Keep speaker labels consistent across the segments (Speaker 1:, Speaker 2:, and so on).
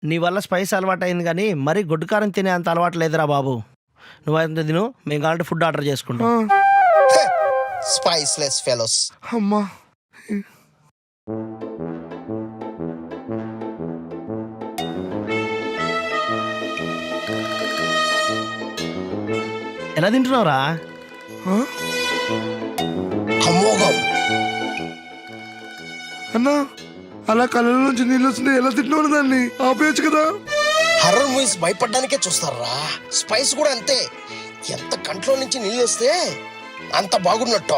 Speaker 1: నీ వల్ల స్పైస్ అలవాటు అయింది కానీ మరీ గొడ్డు కారం తినే అంత అలవాటు లేదురా బాబు. నువ్వు తిను, మేము కావాలంటే ఫుడ్ ఆర్డర్ చేసుకుంటాం.
Speaker 2: Spiceless fellows.
Speaker 3: అమ్మా
Speaker 1: ఎలా తింటున్నావురా?
Speaker 2: అమోఘం.
Speaker 3: అన్నా అలా కళ్ళ నుంచి నీళ్ళు వస్తుంది, ఎలా తింటున్నావు దాన్ని ఆపేయచ్చు కదా.
Speaker 2: హర్రర్ మూవీస్ భయపడ్డానికే చూస్తారా? స్పైస్ కూడా అంతే, ఎంత కంట్లో నుంచి నీళ్ళు వస్తే అంత బాగున్నట్టు.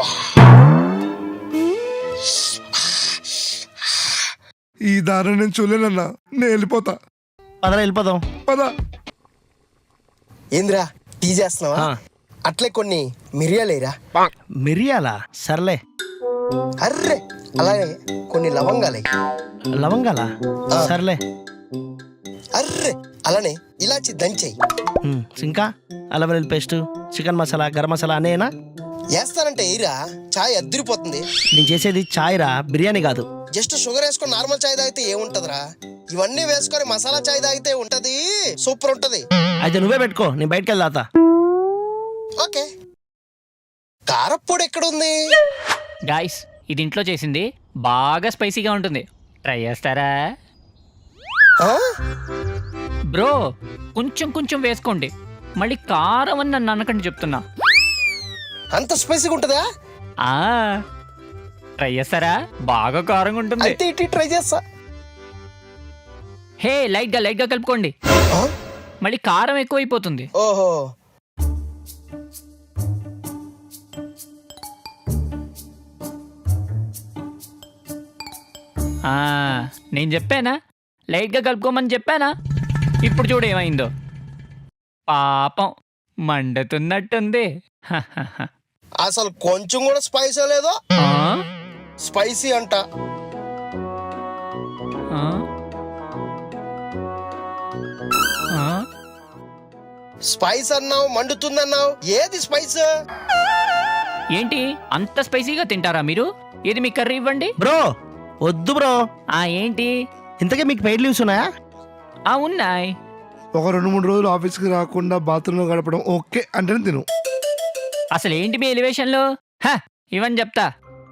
Speaker 3: ఈ దారిని నేను చూడలేనన్నా, నేను వెళ్ళిపోతా.
Speaker 1: పదరా వెళ్ళిపోదాం.
Speaker 3: పదా.
Speaker 2: ఏంద్రా టీ చేస్తున్నావా? అట్లే కొన్ని మిరియాలేరా.
Speaker 1: మిరియాలా? సర్లే.
Speaker 2: అర్రే అలాగే కొన్ని లవంగాలే.
Speaker 1: లవంగాలా? సర్లే.
Speaker 2: అర్రే అలానే ఇలాచి దంచేయి.
Speaker 1: ఇంకా అల్లం వెల్లుల్లి పేస్ట్, చికెన్ మసాలా, గరం మసాలా అనేనా?
Speaker 2: వేస్తానంటే ఏరా, చాయ్ అద్దరిపోతుంది.
Speaker 1: నేను చేసేది చాయ్ రా, బిర్యానీ కాదు.
Speaker 2: జస్ట్ షుగర్ వేసుకొని నార్మల్ చాయ్ తాగితే ఏముంటదిరా? ఇవన్నీ వేసుకొని మసాలా చాయ్ తాగితే ఉంటది, సూపర్ ఉంటది.
Speaker 1: అయితే నువ్వే పెట్టుకో, నేను బయటకు వెళ్తా.
Speaker 2: ఓకే. కారప్పొడి ఎక్కడుంది?
Speaker 4: గాయ్స్, ఇది ఇంట్లో చేసింది, బాగా స్పైసీగా ఉంటుంది, ట్రై చేస్తారా? బ్రో కొంచెం కొంచెం వేసుకోండి, మళ్ళీ కారం అని నన్ను అనకండి చెప్తున్నా.
Speaker 2: అంత స్పైసీగా ఉంటుందా?
Speaker 4: ట్రై చేస్తారా? బాగా కారంగా ఉంటుంది.
Speaker 2: అయితే ఇటు ట్రై చేస్తా.
Speaker 4: హే, లైట్ గా కలుపుకోండి, మళ్ళీ కారం ఎక్కువైపోతుంది.
Speaker 2: ఓహో,
Speaker 4: నేను చెప్పానా లైట్గా కలుపుకోమని చెప్పానా? ఇప్పుడు చూడు ఏమైందో. పాపం మండుతున్నట్టుంది.
Speaker 2: అసలు కొంచెం కూడా స్పైసీ లేదో. స్పైసీ అంట. స్పైస్ అన్నావు, మండుతుందన్నావు, ఏది స్పైస్?
Speaker 4: ఏంటి అంత స్పైసీగా తింటారా మీరు? ఇది మీ కర్రీ ఇవ్వండి.
Speaker 1: బ్రో వద్దు బ్రో.
Speaker 4: ఏంటి
Speaker 1: ఇంతకీ మీకు పెయిడ్ లీవ్స్ ఉన్నాయా?
Speaker 4: ఉన్నాయి.
Speaker 3: ఒక 2-3 రోజులు ఆఫీస్కి రాకుండా బాత్రూంలో గడపడం ఓకే అంటేనే తిను.
Speaker 4: అసలు ఏంటి మీ ఎలివేషన్లు? ఇవని చెప్తా.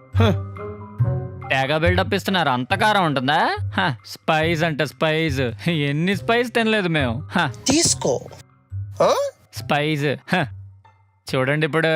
Speaker 4: తెగ బిల్డప్ ఇస్తున్నారు. అంత కారం ఉంటుందా? స్పైస్ అంట స్పైస్. ఎన్ని స్పైస్ తినలేదు మేము.
Speaker 2: తీసుకో
Speaker 4: స్పైస్. చూడండి ఇప్పుడు.